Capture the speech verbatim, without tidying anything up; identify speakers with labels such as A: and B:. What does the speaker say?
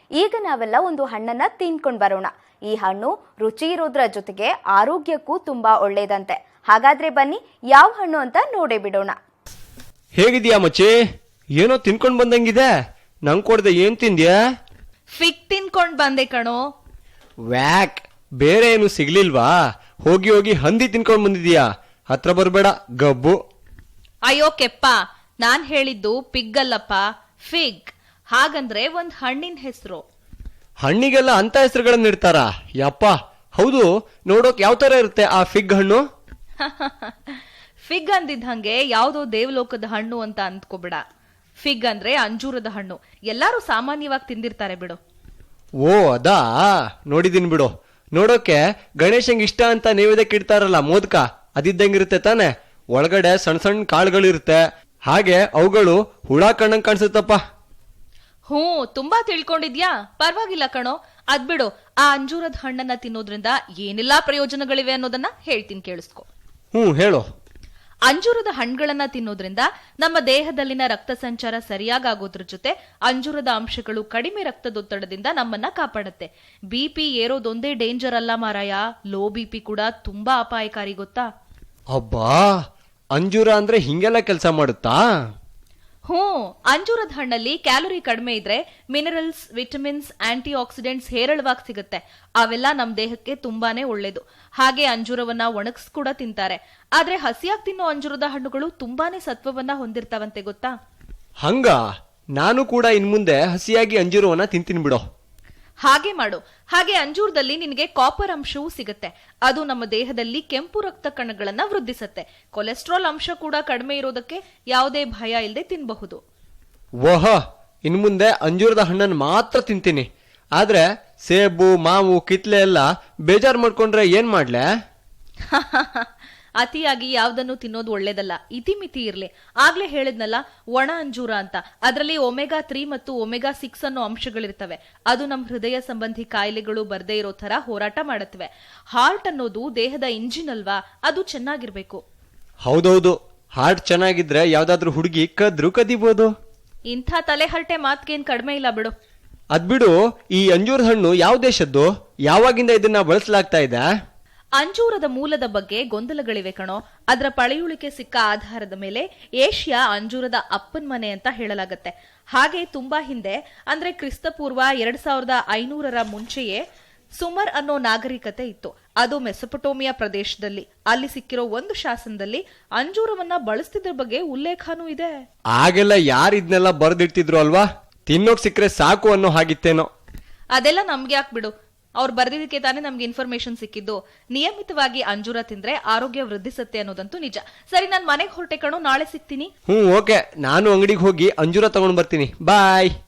A: ಈಗ ನಾವೆಲ್ಲ ಒಂದು ಹಣ್ಣನ್ನ ತಿನ್ಕೊಂಡ್ ಬರೋಣ. ಈ ಹಣ್ಣು ರುಚಿ ಇರೋದ್ರ ಜೊತೆಗೆ ಆರೋಗ್ಯಕ್ಕೂ ತುಂಬಾ ಒಳ್ಳೇದಂತೆ. ಹಾಗಾದ್ರೆ ಬನ್ನಿ ಯಾವ ಹಣ್ಣು ಅಂತ ನೋಡೇ ಬಿಡೋಣ.
B: ಹೇಗಿದ್ಯಾ ಮಚ್ಚಿ? ಏನೋ ತಿನ್ಕೊಂಡ್ ಬಂದಂಗಿದೆ. ನಂಗ್ ಕೊಡ್ದೆ ಏನ್ ತಿಂದ್ಯಾ?
C: ಫಿಗ್ ತಿನ್ಕೊಂಡ್ ಬಂದೆ ಕಣೋ.
B: ವ್ಯಾಕ್, ಬೇರೆ ಏನು ಸಿಗ್ಲಿಲ್ವಾ? ಹೋಗಿ ಹೋಗಿ ಹಂದಿ ತಿನ್ಕೊಂಡ್ ಬಂದಿದ್ಯಾ? ಹತ್ರ ಬರ್ಬೇಡ ಗಬ್ಬು.
C: ಅಯ್ಯೋ ಕೆಪ್ಪ, ನಾನ್ ಹೇಳಿದ್ದು ಪಿಗ್ ಅಲ್ಲಪ್ಪ, ಫಿಗ್. ಹಾಗಂದ್ರೆ ಒಂದ್ ಹಣ್ಣಿನ ಹೆಸರು.
B: ಹಣ್ಣಿಗೆಲ್ಲ ಅಂತ ಹೆಸರುಗಳನ್ನ ಇಡ್ತಾರ? ಯಪ್ಪ, ಹೌದು. ನೋಡೋಕ್ ಯಾವ ತರ ಇರುತ್ತೆ ಆ ಫಿಗ್ ಹಣ್ಣು?
C: ಫಿಗ್ ಅಂದಿದ್ ಹಂಗೆ ಯಾವ್ದೋ ದೇವಲೋಕದ ಹಣ್ಣು ಅಂತ ಅಂದ್ಕೋಬಿಡ. ಫಿಗ್ ಅಂದ್ರೆ ಅಂಜೂರದ ಹಣ್ಣು. ಎಲ್ಲಾರು ಸಾಮಾನ್ಯವಾಗಿ ತಿಂದಿರ್ತಾರೆ ಬಿಡು.
B: ಓ ಅದಾ, ನೋಡಿದೀನಿ ಬಿಡು. ನೋಡೋಕೆ ಗಣೇಶಂಗ್ ಇಷ್ಟ ಅಂತ ನೈವೇದ್ಯಕ್ಕೆ ಇಡ್ತಾರಲ್ಲ ಮೋದಕ, ಅದಿದ್ದಂಗಿರುತ್ತೆ ತಾನೆ. ಒಳಗಡೆ ಸಣ್ಣ ಸಣ್ಣ ಕಾಳುಗಳಿರುತ್ತೆ. ಹಾಗೆ ಅವುಗಳು ಹುಳ ಕಣ್ಣಂಗ್ ಕಾಣಿಸುತ್ತಪ್ಪ.
C: ಹ್ಞೂ, ತುಂಬಾ ತಿಳ್ಕೊಂಡಿದ್ಯಾ? ಪರವಾಗಿಲ್ಲ ಕಣೋ. ಅದ್ಬಿಡು, ಆ ಅಂಜೂರದ ಹಣ್ಣನ್ನ ತಿನ್ನೋದ್ರಿಂದ ಏನೆಲ್ಲಾ ಪ್ರಯೋಜನಗಳಿವೆ ಅನ್ನೋದನ್ನ ಹೇಳ್ತೀನಿ, ಕೇಳಿಸ್ಕೊ.
B: ಹ್ಮ್, ಹೇಳು.
C: ಅಂಜೂರದ ಹಣ್ಣುಗಳನ್ನ ತಿನ್ನೋದ್ರಿಂದ ನಮ್ಮ ದೇಹದಲ್ಲಿನ ರಕ್ತ ಸಂಚಾರ ಸರಿಯಾಗೋದ್ರ ಜೊತೆ ಅಂಜೂರದ ಅಂಶಗಳು ಕಡಿಮೆ ರಕ್ತದೊತ್ತಡದಿಂದ ನಮ್ಮನ್ನ ಕಾಪಾಡುತ್ತೆ. ಬಿಪಿ ಏರೋದೊಂದೇ ಡೇಂಜರ್ ಅಲ್ಲ ಮಾರಾಯ, ಲೋ ಬಿಪಿ ಕೂಡ ತುಂಬಾ ಅಪಾಯಕಾರಿ, ಗೊತ್ತಾ?
B: ಅಬ್ಬಾ, ಅಂಜೂರ ಅಂದ್ರೆ ಹಿಂಗೆಲ್ಲ ಕೆಲಸ ಮಾಡುತ್ತಾ?
C: ಹ್ಞೂ, ಅಂಜೂರದ ಹಣ್ಣಲ್ಲಿ ಕ್ಯಾಲೋರಿ ಕಡಿಮೆ ಇದ್ರೆ ಮಿನರಲ್ಸ್, ವಿಟಮಿನ್ಸ್, ಆಂಟಿ ಆಕ್ಸಿಡೆಂಟ್ಸ್ ಹೇರಳವಾಗಿ ಸಿಗುತ್ತೆ. ಅವೆಲ್ಲ ನಮ್ ದೇಹಕ್ಕೆ ತುಂಬಾನೇ ಒಳ್ಳೇದು. ಹಾಗೆ ಅಂಜೂರವನ್ನ ಒಣಗಿಸ್ ಕೂಡ ತಿಂತಾರೆ. ಆದ್ರೆ ಹಸಿಯಾಗಿ ತಿನ್ನೋ ಅಂಜೂರದ ಹಣ್ಣುಗಳು ತುಂಬಾನೇ ಸತ್ವವನ್ನ ಹೊಂದಿರ್ತಾವಂತೆ, ಗೊತ್ತಾ?
B: ಹಂಗ, ನಾನು ಕೂಡ ಇನ್ ಮುಂದೆ ಹಸಿಯಾಗಿ ಅಂಜೂರವನ್ನ ತಿಂತೀನಿ ಬಿಡೋ.
C: ಹಾಗೆ ಮಾಡು. ಹಾಗೆ ಅಂಜೂರದಲ್ಲಿ ನಿನಗೆ ಕಾಪರ್ ಅಂಶವೂ ಸಿಗುತ್ತೆ. ಅದು ನಮ್ಮ ದೇಹದಲ್ಲಿ ಕೆಂಪು ರಕ್ತ ಕಣಗಳನ್ನ ವೃದ್ಧಿಸುತ್ತೆ. ಕೊಲೆಸ್ಟ್ರಾಲ್ ಅಂಶ ಕೂಡ ಕಡಿಮೆ ಇರೋದಕ್ಕೆ ಯಾವುದೇ ಭಯ ಇಲ್ಲದೆ ತಿನ್ನಬಹುದು.
B: ಓಹ, ಇನ್ ಮುಂದೆ ಅಂಜೂರದ ಹಣ್ಣನ್ನು ಮಾತ್ರ ತಿಂತೀನಿ. ಆದ್ರೆ ಸೇಬು, ಮಾವು, ಕಿತ್ಲೆ ಎಲ್ಲ ಬೇಜಾರ್ ಮಾಡ್ಕೊಂಡ್ರೆ ಏನ್ ಮಾಡ್ಲೆ?
C: ಅತಿಯಾಗಿ ಯಾವ್ದನ್ನು ತಿನ್ನೋದು ಒಳ್ಳೇದಲ್ಲ, ಇತಿಮಿತಿ ಇರ್ಲಿ. ಆಗ್ಲೇ ಹೇಳಿದ್ನಲ್ಲ, ಒಣ ಅಂಜೂರ ಅಂತ. ಅದರಲ್ಲಿ ಒಮೆಗಾ ತ್ರೀ ಮತ್ತು ಒಮೆಗಾ ಸಿಕ್ಸ್ ಅನ್ನೋ ಅಂಶಗಳಿರ್ತವೆ. ಅದು ನಮ್ ಹೃದಯ ಸಂಬಂಧಿ ಕಾಯಿಲೆಗಳು ಬರ್ದೇ ಇರೋ ತರ ಹೋರಾಟ ಮಾಡತ್ವೆ. ಹಾರ್ಟ್ ಅನ್ನೋದು ದೇಹದ ಇಂಜಿನ್ ಅಲ್ವಾ, ಅದು ಚೆನ್ನಾಗಿರ್ಬೇಕು.
B: ಹೌದೌದು, ಹಾರ್ಟ್ ಚೆನ್ನಾಗಿದ್ರೆ ಯಾವ್ದಾದ್ರು ಹುಡುಗಿ ಕದ್ರು ಕದಿಬಹುದು.
C: ಇಂಥ ತಲೆಹರಟೆ ಮಾತ್ಗೇನ್ ಕಡಿಮೆ ಇಲ್ಲ ಬಿಡು.
B: ಅದ್ಬಿಡು, ಈ ಅಂಜೂರದ ಹಣ್ಣು ಯಾವ ದೇಶದ್ದು? ಯಾವಾಗಿಂದ ಇದನ್ನ ಬಳಸಲಾಗ್ತಾ ಇದೆ?
C: ಅಂಜೂರದ ಮೂಲದ ಬಗ್ಗೆ ಗೊಂದಲಗಳಿವೆ ಕಣೋ. ಅದರ ಪಳೆಯುಳಿಕೆ ಸಿಕ್ಕ ಆಧಾರದ ಮೇಲೆ ಏಷ್ಯಾ ಅಂಜೂರದ ಅಪ್ಪನ್ ಮನೆ ಅಂತ ಹೇಳಲಾಗತ್ತೆ. ಹಾಗೆ ತುಂಬಾ ಹಿಂದೆ, ಅಂದ್ರೆ ಕ್ರಿಸ್ತಪೂರ್ವ ಎರಡ್ ಸಾವಿರದ ಐನೂರರ ಮುಂಚೆಯೇ ಸುಮರ್ ಅನ್ನೋ ನಾಗರಿಕತೆ ಇತ್ತು. ಅದು ಮೆಸೊಪೊಟೋಮಿಯಾ ಪ್ರದೇಶದಲ್ಲಿ. ಅಲ್ಲಿ ಸಿಕ್ಕಿರೋ ಒಂದು ಶಾಸನದಲ್ಲಿ ಅಂಜೂರವನ್ನ ಬಳಸ್ತಿದ್ರ ಬಗ್ಗೆ ಉಲ್ಲೇಖನೂ ಇದೆ.
B: ಆಗೆಲ್ಲ ಯಾರು ಇದನ್ನೆಲ್ಲ ಬರೆದಿಡ್ತಿದ್ರು ಅಲ್ವಾ? ತಿನ್ನೋಕ್ ಸಿಕ್ಕರೆ ಸಾಕು ಅನ್ನೋ ಹಾಗಿತ್ತೇನೋ.
C: ಅದೆಲ್ಲ ನಮ್ಗೆ ಯಾಕೆ ಬಿಡು, ಅವ್ರು ಬರ್ದಿದ್ದಕ್ಕೆ ತಾನೇ ನಮ್ಗೆ ಇನ್ಫಾರ್ಮೇಶನ್ ಸಿಕ್ಕಿದ್ದು. ನಿಯಮಿತವಾಗಿ ಅಂಜೂರ ತಿಂದ್ರೆ ಆರೋಗ್ಯ ವೃದ್ಧಿಸುತ್ತೆ ಅನ್ನೋದಂತೂ ನಿಜ. ಸರಿ, ನಾನ್ ಮನೆಗೆ ಹೊರಟೆ ಕಣೋ, ನಾಳೆ ಸಿಗ್ತೀನಿ.
B: ಹ್ಮ್, ಓಕೆ. ನಾನು ಅಂಗಡಿಗೆ ಹೋಗಿ ಅಂಜೂರ ತಗೊಂಡ್ ಬರ್ತೀನಿ. ಬಾಯ್.